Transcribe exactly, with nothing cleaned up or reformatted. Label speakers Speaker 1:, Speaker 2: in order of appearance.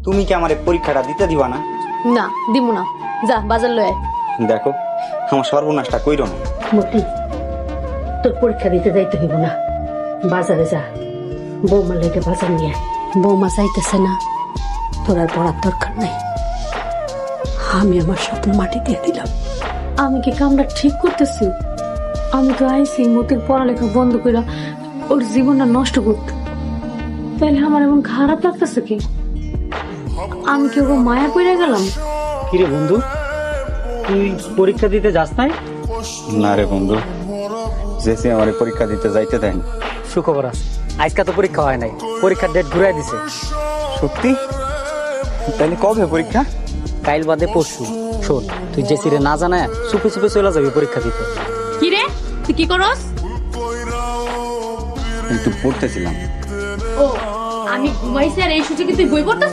Speaker 1: তুমি কি আমার এই পরীক্ষাটা দিতে দিবা না?
Speaker 2: না দিমু না, যা বাজার লয়ে আয়।
Speaker 1: দেখো আমার সর্বনাশটা কইরো না।
Speaker 3: মতি, তোর পরীক্ষা দিতে যাইতে হইব না, বাজারে যা, বৌমা লেগে বাজার নিয়ে আয়। বৌমা চাইতেছে না, তোর আর পড়ার দরকার নাই। আমি আমার স্বপ্ন মাটি দিয়ে দিলাম।
Speaker 2: আমি কি কামটা ঠিক করতেছি? আমি তো আইসি মতির পড়ালেখা বন্ধ করে ওর জীবনটা নষ্ট করতে, তাহলে আমার এমন খারাপ লাগতেছে কি? আমি কি ওর মায়া পড়ে গেলাম?
Speaker 4: কিরে বন্ধু, তুই পরীক্ষা দিতে যাস নাই?
Speaker 1: না রে বন্ধু, জেসি আমার এই পরীক্ষা দিতে যাইতে দেন।
Speaker 4: সুখবর আছে, আজকে তো পরীক্ষা হয় নাই, পরীক্ষার ডেট ঘুরাই দিছে।
Speaker 1: সত্যি? তাহলে কবে পরীক্ষা?
Speaker 4: কাইল বাদে পরশু। শোন, তুই যে সিরে না জানায় চুপে চুপে চলে যাবি পরীক্ষা দিতে।
Speaker 2: কি রে, তুই কি করস?
Speaker 1: একটু পড়তেছিলাম।
Speaker 2: ও, আমি ঘুমাইছি আর এই সুযোগে তুই বই পড়তে